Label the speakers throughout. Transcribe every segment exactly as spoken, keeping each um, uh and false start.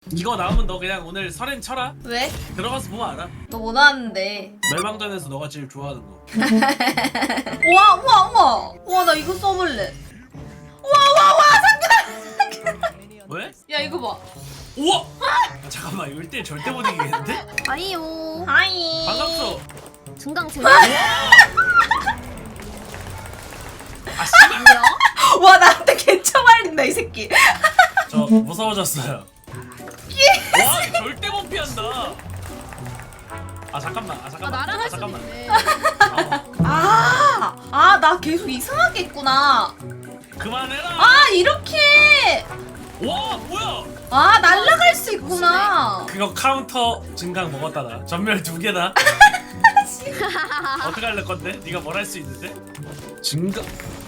Speaker 1: 이거 나오면 너 그냥 오늘 설엔 쳐라.
Speaker 2: 왜?
Speaker 1: 들어가서 보면 알아.
Speaker 2: 너 뭐 나왔는데?
Speaker 1: 멸망전에서 너가 제일 좋아하는 거.
Speaker 2: 우와 우와 우와 우와 나 이거 써볼래. 우와 우와 우와 상근아.
Speaker 1: 왜?
Speaker 2: 야 이거 봐.
Speaker 1: 우와! 아, 잠깐만 이거 일 대 일 절대 못 이기겠는데?
Speaker 3: 아이요.
Speaker 2: 하이.
Speaker 1: 반갑소.
Speaker 3: 증강 제로.
Speaker 1: 아 씨발.
Speaker 3: 뭐야?
Speaker 2: 와 나한테 개처 말린다 이 새끼.
Speaker 1: 저 무서워졌어요. 와 절대 못 피한다. 아 잠깐만. 아
Speaker 3: 아
Speaker 1: 잠깐만.
Speaker 3: 나랑
Speaker 1: 아
Speaker 3: 할 수
Speaker 1: 잠깐만.
Speaker 3: 있네.
Speaker 1: 아,
Speaker 2: 아아 나 계속 이상하게 했구나.
Speaker 1: 그만해라.
Speaker 2: 아 이렇게.
Speaker 1: 와 뭐야?
Speaker 2: 아 날라갈 수 있구나.
Speaker 1: 그거 카운터 증강 먹었다 나. 전멸 두 개다. 어떻게 할래 건데? 네가 뭘 할 수 있는데? 증강.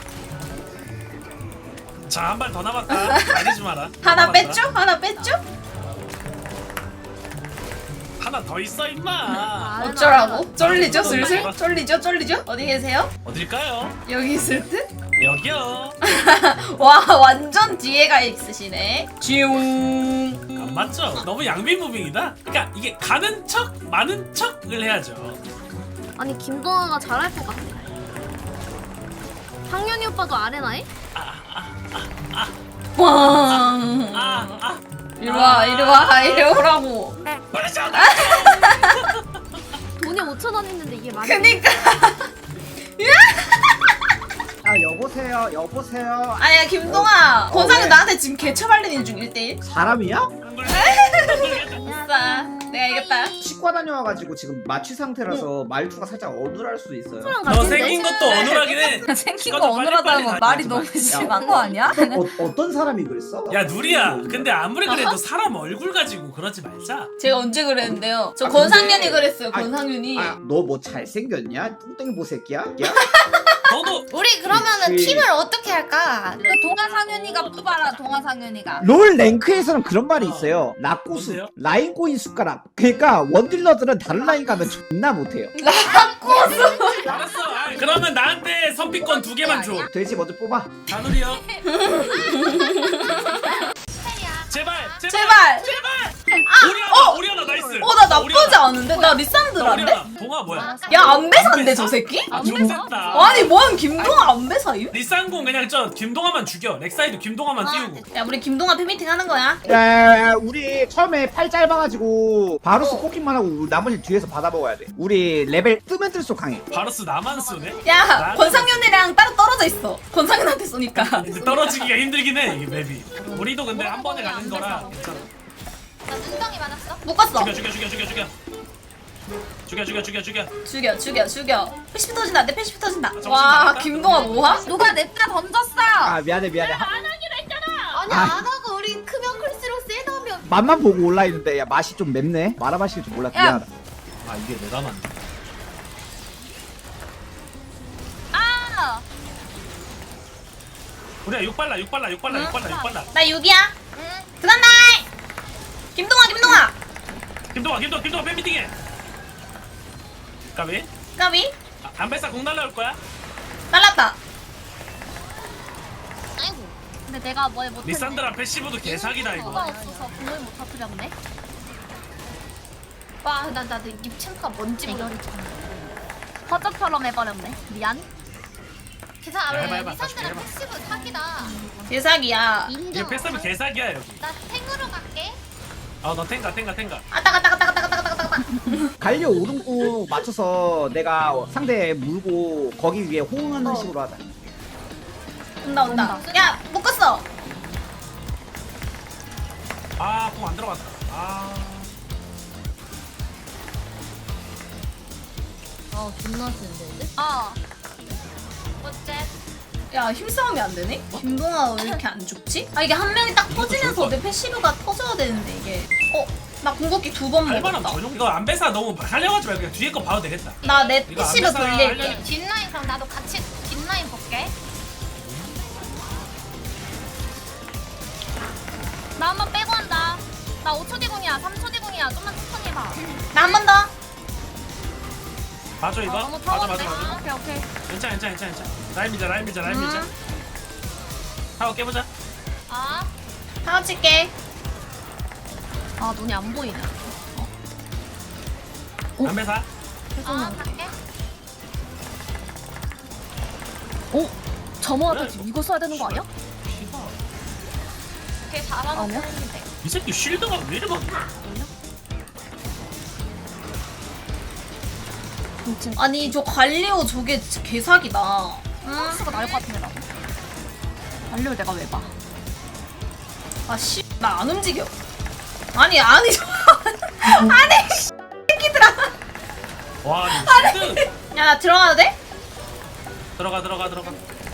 Speaker 1: 자 한 발 더 남았다. 말리지 마라.
Speaker 2: 하나
Speaker 1: 남았다.
Speaker 2: 뺐죠? 하나 뺐죠?
Speaker 1: 하나 더 있어 임마.
Speaker 2: 어쩌라고? 쫄리죠 슬슬? 쫄리죠 쫄리죠? 어디 계세요?
Speaker 1: 어딜까요?
Speaker 2: 여기 있을 듯?
Speaker 1: 여기요.
Speaker 2: 와 완전 뒤에가 있으시네. 쥐용.
Speaker 1: 안 맞죠? 너무 양비 무빙이다. 그러니까 이게 가는 척 많은 척을 해야죠.
Speaker 3: 아니 김동아가 잘할 것 같아. 상윤이 오빠도 아레나에?
Speaker 2: 꽝.
Speaker 1: 아 아.
Speaker 2: 이리 와 이리 와 이리 오라고.
Speaker 1: 말하자.
Speaker 3: 돈이 오천 원 했는데 이게 말이
Speaker 2: 그니까.
Speaker 4: 아 여보세요 여보세요
Speaker 2: 아야 김동아.
Speaker 4: 어,
Speaker 2: 권상은
Speaker 4: 왜?
Speaker 2: 나한테 지금 개처 발리는 중 일 대일.
Speaker 4: 사람이야?
Speaker 2: 아싸. 내가 이겼다.
Speaker 4: 치과 다녀와가지고 지금 마취 상태라서 말투가 살짝 어눌할 수도 있어요.
Speaker 3: 사람
Speaker 1: 너
Speaker 3: 같은데?
Speaker 1: 생긴 것도 어눌하긴 해.
Speaker 5: 생긴
Speaker 1: 시간
Speaker 5: 거
Speaker 1: 좀 빨리
Speaker 5: 어눌하다는
Speaker 1: 빨리
Speaker 5: 건
Speaker 1: 가자.
Speaker 5: 말이 너무 심한 거 아니야?
Speaker 4: 어, 어떤 사람이 그랬어?
Speaker 1: 야 누리야. 근데 아무리 그래도 사람 얼굴 가지고 그러지 말자.
Speaker 2: 제가 언제 그랬는데요? 저
Speaker 4: 아,
Speaker 2: 권상윤이
Speaker 4: 근데-
Speaker 2: 그랬어요.
Speaker 4: 아,
Speaker 2: 권상윤이.
Speaker 4: 아, 너 뭐 잘생겼냐? 뚱땡이 보새끼야? 야?
Speaker 1: 너도
Speaker 5: 우리 그러면은
Speaker 4: 그치.
Speaker 5: 팀을 어떻게 할까?
Speaker 6: 그 동아상윤이가 뽑아라 동아상윤이가
Speaker 4: 롤 랭크에서는 그런 말이 있어요. 라꼬수
Speaker 1: 뭔데요?
Speaker 4: 라인 꼬인 숟가락. 그러니까 원딜러들은 다른 라인 가면 존나 못해요.
Speaker 1: 알았어. 아이, 그러면 나한테 선피권 두 개만 줘.
Speaker 4: 돼지 먼저 뽑아.
Speaker 1: 다누리요. 제발 제발
Speaker 2: 제발.
Speaker 1: 제발.
Speaker 2: 아,
Speaker 1: 오리아나 오리아나 나이스.
Speaker 2: 어 나 나쁘지
Speaker 1: 오리아나.
Speaker 2: 않은데? 나 리산드라인데?
Speaker 1: 오리아나 동아 뭐야?
Speaker 2: 야 안배사인데 저 새끼?
Speaker 1: 아좀 셌다.
Speaker 2: 아니 뭔 김동아 안배사유?
Speaker 1: 리쌍공 그냥 저 김동아만 죽여. 렉사이드 김동아만 띄우고.
Speaker 2: 야 우리 김동아 팬미팅 하는 거야?
Speaker 4: 야, 우리 처음에 팔 짧아가지고 바루스 뽑기만 하고 나머지 뒤에서 받아 먹어야 돼. 우리 레벨 뜨면 뜰수록 강해.
Speaker 1: 바로스 나만 쏘네.
Speaker 2: 야 권상윤이랑 따로 떨어져 있어. 권상윤한테 쏘니까.
Speaker 1: 근데 떨어지기가 힘들긴 해 이게 맵이. 우리도 근데 한 번에 가는 거라 괜찮아.
Speaker 5: 나 눈덩이 맞았어.
Speaker 2: 묶었어.
Speaker 1: 죽여 죽여 죽여 죽여 죽여. 죽여 죽여 죽여 죽여.
Speaker 2: 죽여 죽여 죽여. 패시피 터진다. 안돼 패시피 터진다.
Speaker 1: 정신
Speaker 2: 와
Speaker 1: 나갔다.
Speaker 2: 김동아 뭐야?
Speaker 6: 누가 냅다 던졌어.
Speaker 4: 아 미안해 미안해. 하-
Speaker 5: 아니
Speaker 4: 아.
Speaker 5: 안 하고 우리 크면 클수록 세다면.
Speaker 4: 맛만 보고 올라 있는데 야 맛이 좀 맵네. 말아 마실 줄 몰랐다.
Speaker 5: 야.
Speaker 4: 미안하다.
Speaker 1: 아 이게 내가 맞네.
Speaker 6: 아
Speaker 1: 우리야 육 발라 육 발라 육 발라 육 발라 육 발라.
Speaker 2: 나 육이야.
Speaker 5: 응.
Speaker 2: 들어간다. 김동아 김동아.
Speaker 1: 김동아 김동아 김동아 팬미팅해. 까비?
Speaker 2: 까비
Speaker 1: 아, 안배사 공 날라올 거야?
Speaker 2: 날랐다.
Speaker 5: 아이고.
Speaker 3: 근데 내가 뭘 못했네.
Speaker 1: 리산드라 패시브도 개사기다
Speaker 3: 수가
Speaker 1: 이거.
Speaker 3: 없어서 공을 못 터뜨렸네.
Speaker 5: 와, 나 나도 입 참가 뭔지 모르.
Speaker 3: 허접처럼 해버렸네. 미안.
Speaker 5: 계산 안
Speaker 1: 야, 해봐,
Speaker 5: 해.
Speaker 1: 해봐.
Speaker 5: 리산드랑
Speaker 1: 다시
Speaker 5: 패시브 사기다.
Speaker 2: 대사기야.
Speaker 1: 이게
Speaker 5: 인정.
Speaker 1: 패스하면 개사기야 여기.
Speaker 5: 나 탱으로 갈게.
Speaker 1: 아너 탱가 탱가 탱가.
Speaker 2: 아따 갔다 갔다 갔다 갔다 갔다 갔다.
Speaker 4: 갈려 오른쪽 맞춰서 내가 상대 물고 거기 위에 호응하는
Speaker 2: 어.
Speaker 4: 식으로 하자.
Speaker 2: 온다 온다. 야 묶었어.
Speaker 1: 아공 안 들어갔다. 아.
Speaker 3: 아 존나 센데.
Speaker 5: 어. 어째?
Speaker 2: 야 힘싸움이 안 되네? 김동아 왜 이렇게 안 죽지? 아 이게 한 명이 딱
Speaker 1: 이것도
Speaker 2: 터지면서
Speaker 1: 좋을 것
Speaker 2: 내 패시브가 터져야 되는데 이게. 어? 나 궁극기 두 번
Speaker 1: 할만하면
Speaker 2: 먹었다.
Speaker 1: 전용. 이거 안배사 너무 하려하지 말고 그냥 뒤에 거 봐도 되겠다.
Speaker 2: 나 내
Speaker 1: 이거
Speaker 2: 패시브
Speaker 1: 안
Speaker 2: 돌릴게.
Speaker 1: 알려줘.
Speaker 5: 뒷라인 그럼 나도 같이 뒷라인 볼게.
Speaker 3: 나 한 번 빼고 한다. 나 오 초 뒤공이야. 삼 초 뒤공이야. 좀만 천천히 해봐.
Speaker 2: 나 한 번 더.
Speaker 1: 봐줘 이거.
Speaker 3: 어, 너무
Speaker 1: 맞아 맞아
Speaker 3: 더운데?
Speaker 1: 맞아.
Speaker 3: 오케이 오케이.
Speaker 1: 괜찮아 괜찮아 괜찮아 괜찮아. 라인 미자 라인 미자 라인 미자.
Speaker 2: 음.
Speaker 1: 하고 깨보자.
Speaker 5: 아.
Speaker 2: 하고 칠게.
Speaker 3: 아 눈이 안 보이네.
Speaker 1: 담배사.
Speaker 5: 아 갈게.
Speaker 3: 오 점호하다 지금 이거 써야 되는 거 아니야?
Speaker 1: 피가.
Speaker 5: 걔 잘하는
Speaker 3: 아니야?
Speaker 5: 편인데.
Speaker 1: 이 새끼 쉴드가 왜 이래 많냐?
Speaker 3: 진짜
Speaker 2: 아니 저 갈리오 저게 진짜 개사기다. 응?
Speaker 3: 수가 나을 것 같은데 나도. 알려를 내가 왜 봐?
Speaker 2: 아씨 나 안 움직여. 아니 아니 아니 씨 새끼들아.
Speaker 1: 와, 이 쉴드.
Speaker 2: 야 나 들어가도 돼?
Speaker 1: 들어가 들어가 들어가.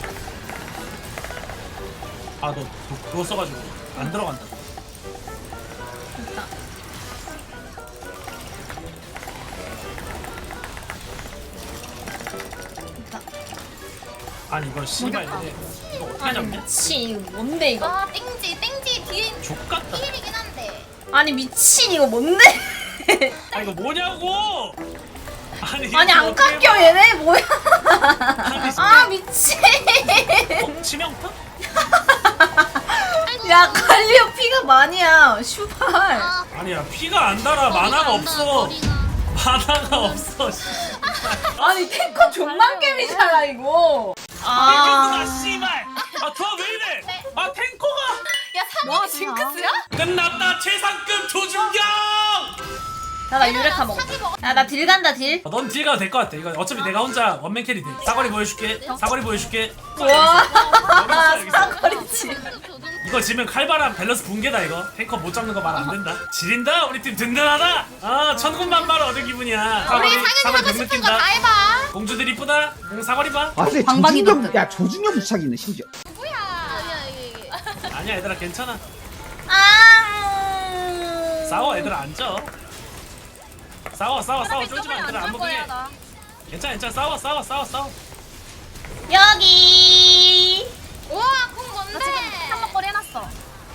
Speaker 1: 아, 너 그거 써가지고 안 들어간다.
Speaker 2: 됐다. 됐다.
Speaker 1: 아니 이걸 씨발 이거 이거 어떻게
Speaker 2: 아니
Speaker 1: 잡냐?
Speaker 2: 미친 이거 뭔데 이거?
Speaker 5: 아 땡지 땡지 뒤에
Speaker 1: 족같다.
Speaker 5: 필이긴 한데.
Speaker 2: 아니 미친 이거 뭔데?
Speaker 1: 아 이거 뭐냐고? 아니
Speaker 2: 아니
Speaker 1: 이거
Speaker 2: 안
Speaker 1: 어떻게
Speaker 2: 깎여
Speaker 1: 봐?
Speaker 2: 얘네 뭐야?
Speaker 1: 아니,
Speaker 2: 아 미친.
Speaker 1: 어? 치명타?
Speaker 2: 야 갈리오 피가 많이야. 슈발.
Speaker 5: 아
Speaker 1: 아니야 피가 안 달아. 만화가 없어. 만화가 없어. 씨.
Speaker 2: 아니 탱커 존만 게임이잖아 이거.
Speaker 1: 탱커가
Speaker 2: 아.
Speaker 1: 씨발. 아 조합 왜 이래? 아 탱커가
Speaker 5: 야
Speaker 3: 뭐
Speaker 5: 상현이 징크스야?
Speaker 1: 끝났다. 최상급 조준경.
Speaker 2: 나나 유레카 먹어.
Speaker 5: 사기 먹어.
Speaker 2: 야나 딜 간다 딜.
Speaker 1: 아, 넌 딜가 될 것 같아. 이거 어차피 내가 혼자 원맨 캐리 돼. 사거리 보여줄게. 사거리 보여줄게.
Speaker 2: 와
Speaker 1: 여기 있어, 여기 있어.
Speaker 2: 사거리치.
Speaker 1: 이거 지면 칼바람 밸런스 붕괴다 이거. 탱커 못 잡는 거 말 안 된다. 지린다. 우리 팀 든든하다. 아 천군만마를 얻은 기분이야.
Speaker 5: 우리
Speaker 1: 사거리
Speaker 5: 상현이
Speaker 1: 사거리
Speaker 5: 하고
Speaker 1: 병
Speaker 5: 싶은
Speaker 1: 느낀다.
Speaker 5: 거 다 해봐.
Speaker 1: 공주들 이쁘다. 공 사거리 봐.
Speaker 4: 아 근데
Speaker 6: 방방이
Speaker 4: 조준경
Speaker 6: 덕분.
Speaker 4: 야 조준경 부착이 있네 심지어.
Speaker 5: 뭐야? 아니야 이게 이게.
Speaker 1: 아니야 얘들아 괜찮아.
Speaker 2: 아.
Speaker 1: 싸워 얘들아 앉아. 싸워 싸워 싸워 쫄지 마 얘들아 안 먹게. 괜찮아 괜찮아 싸워 싸워 싸워 싸워.
Speaker 2: 여기.
Speaker 5: 우와 공 뭔데?
Speaker 3: 나 지금 한번거리 해놨어.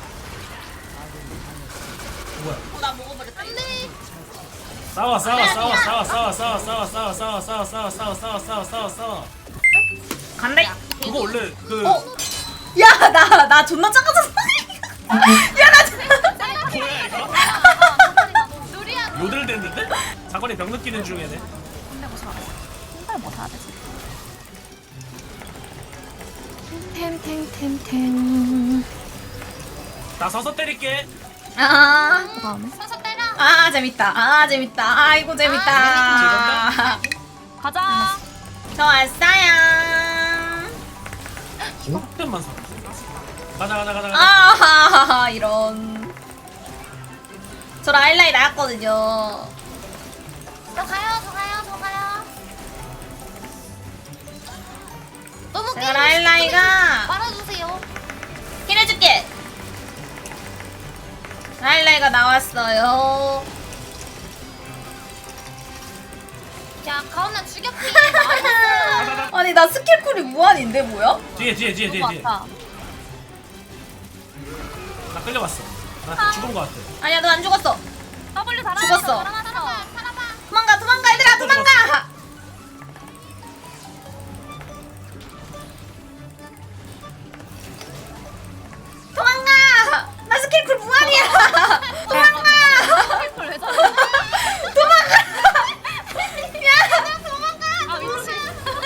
Speaker 1: 뭐야?
Speaker 2: 나 먹어버렸다.
Speaker 5: 안돼.
Speaker 1: 싸워 싸워 싸워 싸워 싸워 싸워 싸워 싸워 싸워 싸워 싸워 싸워 싸워 싸워 싸워 싸워.
Speaker 2: 간다.
Speaker 1: 그거 원래 그
Speaker 2: 어? 야 나 나 존나 작아졌어. 야나
Speaker 1: 뭐야 이거?
Speaker 5: 누리야.
Speaker 1: 요들 됐는데? 사거리 병 느끼는 중에네.
Speaker 3: 근데 무슨 알아? 신발 뭐 사야 되지? 템템템템.
Speaker 1: 나 서서 때릴게.
Speaker 2: 아.
Speaker 3: 그다음에
Speaker 5: 서서 때려.
Speaker 2: 아 재밌다. 아 재밌다. 아이고 재밌다.
Speaker 3: 가자.
Speaker 2: 저 왔어요.
Speaker 1: 만 사. 가자 가자 가자 가자.
Speaker 2: 아하하하 이런. 저 라일라이 나왔거든요.
Speaker 5: 저 가요 저 가요 저 가요. 너무
Speaker 2: 제가
Speaker 5: 게임
Speaker 2: 라일라이가
Speaker 5: 말아주세요.
Speaker 2: 힐해줄게. 라일라이가 나왔어요.
Speaker 5: 야 가온나 죽였지. 나이스.
Speaker 2: 아니 나 스킬쿨이 무한인데 뭐야?
Speaker 1: 뒤에 뒤에 뒤에 뒤에
Speaker 3: 너무
Speaker 1: 뒤에.
Speaker 3: 많다.
Speaker 1: 나 끌려갔어. 나 죽은 거 같아.
Speaker 2: 아니야 너 안 죽었어.
Speaker 3: W 달아.
Speaker 2: 죽었어.
Speaker 5: 살아봐 살아봐.
Speaker 2: 도망가 도망가 얘들아 도망가. 도망가. 나 스킬쿨 무한이야. 도망가.
Speaker 3: 왜 저래?
Speaker 5: 아 미친.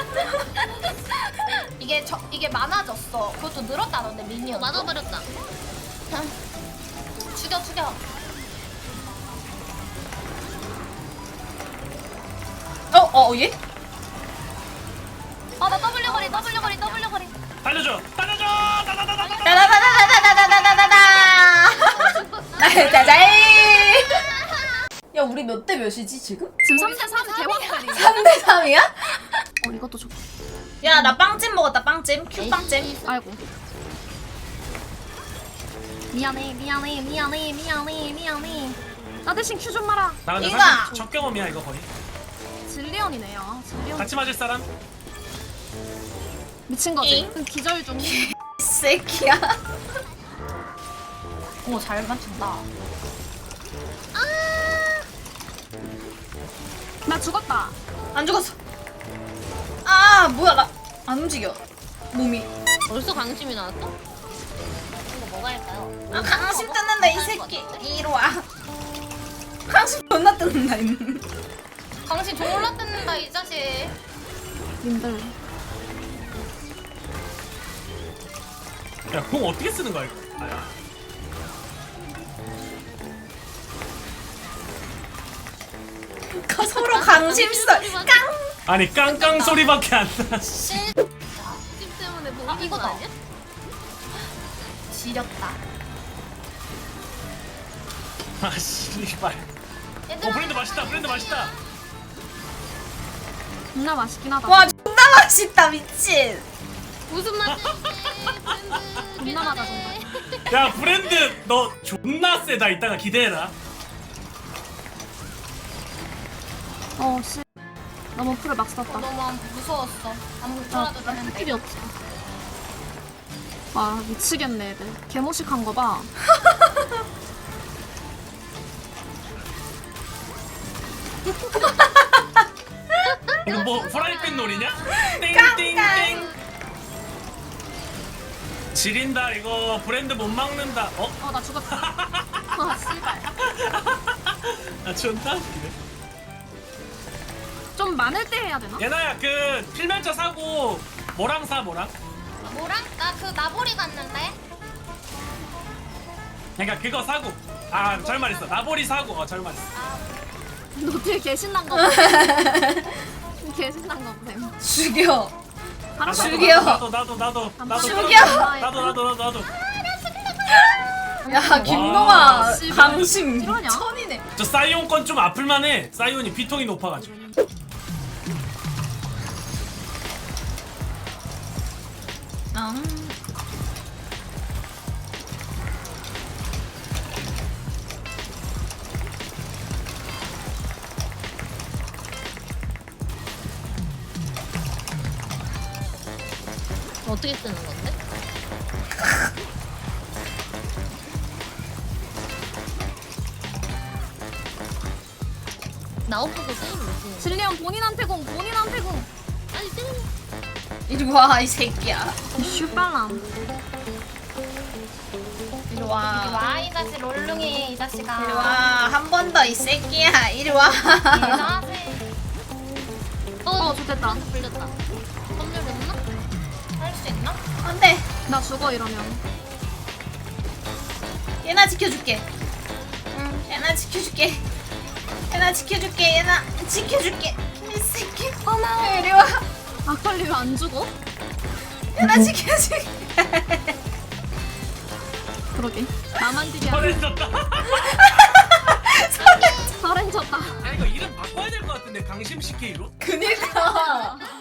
Speaker 5: 이게 저 이게 많아졌어. 그것도 늘었다던데 미니언. 많아버렸다. 죽여 죽여.
Speaker 2: 어어 얘?
Speaker 3: 아나 W 거리 W 거리 W 거리.
Speaker 1: 달려줘 달려줘. 다다다다다.
Speaker 2: 다다다다다다다다다다다. 나자자이. 야 우리 몇 대 몇이지 지금?
Speaker 3: 지금 삼 대 삼 개왕짜리.
Speaker 2: 삼 대 삼이야?
Speaker 3: 어 이것도 좋.
Speaker 2: 야 나 빵찜 먹었다 빵찜 큐 빵찜.
Speaker 3: 아이고. 미안해 미안해 미안해 미안해 미안해. 나 대신 큐 좀 마라.
Speaker 1: 나 근데
Speaker 2: 이거!
Speaker 1: 사실 첫 경험이야 이거 거의.
Speaker 3: 질리언이네요. 아, 질리언.
Speaker 1: 같이 맞을 사람?
Speaker 3: 미친 거지.
Speaker 2: 잉?
Speaker 3: 기절 중.
Speaker 2: 이 새끼야.
Speaker 3: 오잘 맞춘다.
Speaker 5: 아!
Speaker 3: 나 죽었다.
Speaker 2: 안 죽었어. 아 뭐야 나 안 움직여 몸이.
Speaker 5: 벌써 강심이 나왔어? 이거 뭐가 할까요?
Speaker 2: 아 강심 뜯는다 이 새끼. 이리 와. 존나 뜯는다 임.
Speaker 3: 당신 졸라 뜯는다 이 자식.
Speaker 6: 님들.
Speaker 1: 야공 어떻게 쓰는 거야 이거? 아야.
Speaker 2: 그 서로 강심설 깡.
Speaker 1: 아니 깡깡 소리밖에 안 나. 씨.
Speaker 3: 찜 때문에 뭐
Speaker 5: 아, 이거다.
Speaker 3: 아니야?
Speaker 5: 지렸다.
Speaker 1: 아 씨발.
Speaker 3: 얘들아.
Speaker 1: 어 브랜드 맛있다. 브랜드 맛있다.
Speaker 6: 존나 맛있긴 하다.
Speaker 2: 와 존나 맛있다 미친.
Speaker 3: 무슨 맛이지?
Speaker 6: 존나 맞아 정말.
Speaker 1: 야 브랜드 너 존나 세다. 이따가 기대해라.
Speaker 6: 어 씨. 너무 풀을 막 썼다.
Speaker 5: 너무 무서웠어. 아무것도 되는데.
Speaker 6: 필요 없어. 와 미치겠네 애들. 개모식한 거 봐.
Speaker 1: 이거 뭐 프라이팬 놀이냐?
Speaker 2: 깡깡.
Speaker 1: 땡땡땡. 지린다 이거 브랜드 못 막는다. 어?
Speaker 6: 어 나 죽었다. 아 씨발.
Speaker 1: 아 존나 웃기네.
Speaker 6: 좀 많을 때 해야 되나?
Speaker 1: 예나야 그 필면차 사고 뭐랑 사 뭐랑?
Speaker 3: 뭐랑? 나 그 나보리 갔는데.
Speaker 1: 그러니까 그거 사고. 아 잘 말했어. 나보리 사고. 어잘 말했어.
Speaker 6: 너 뒤에 개신난 거 봐. 개신난 거 보세요.
Speaker 2: 죽여.
Speaker 1: 아,
Speaker 2: 죽여.
Speaker 1: 나도 나도 나도 나도
Speaker 2: 죽여.
Speaker 1: 나도 나도 나도 나도.
Speaker 2: 야 김동아
Speaker 6: 와, 씨발.
Speaker 2: 강심
Speaker 6: 이러냐?
Speaker 2: 천이네.
Speaker 1: 저 사이온 건 좀 아플만해. 사이온이 비통이 높아가지고.
Speaker 2: 음.
Speaker 3: 어떻게 쓰는 건데? 나오고 게임 무슨?
Speaker 6: 질리언 본인한테 공 본인한테 공.
Speaker 3: 아니 때려.
Speaker 2: 이리 와 이 새끼야.
Speaker 6: 슈발람.
Speaker 2: 이리
Speaker 5: 이리
Speaker 2: 와.
Speaker 5: 와, 이 자식 롤룽이 이 자식아.
Speaker 2: 이리 와. 한 번 더 이 새끼야. 이리 와.
Speaker 5: 이리
Speaker 6: 어 좋됐다.
Speaker 3: 불렸다. 검열 됐나?
Speaker 5: 할수 있나?
Speaker 2: 안돼.
Speaker 6: 나 죽어 이러면.
Speaker 2: 얘나 지켜줄게. 응. 얘나 지켜줄게. 얘나 지켜줄게. 얘나 지켜줄게. 이 새끼. 고마워. 이리 와.
Speaker 6: 아칼리 왜 안 죽어?
Speaker 2: 얘나 지켜줄게.
Speaker 6: 그러게. 나만 지게 하네.
Speaker 1: 서렌졌다.
Speaker 6: 서렌 졌다.
Speaker 1: 아 이거 이름 바꿔야 될 것 같은데 강심 씨케이로?
Speaker 2: 그니까.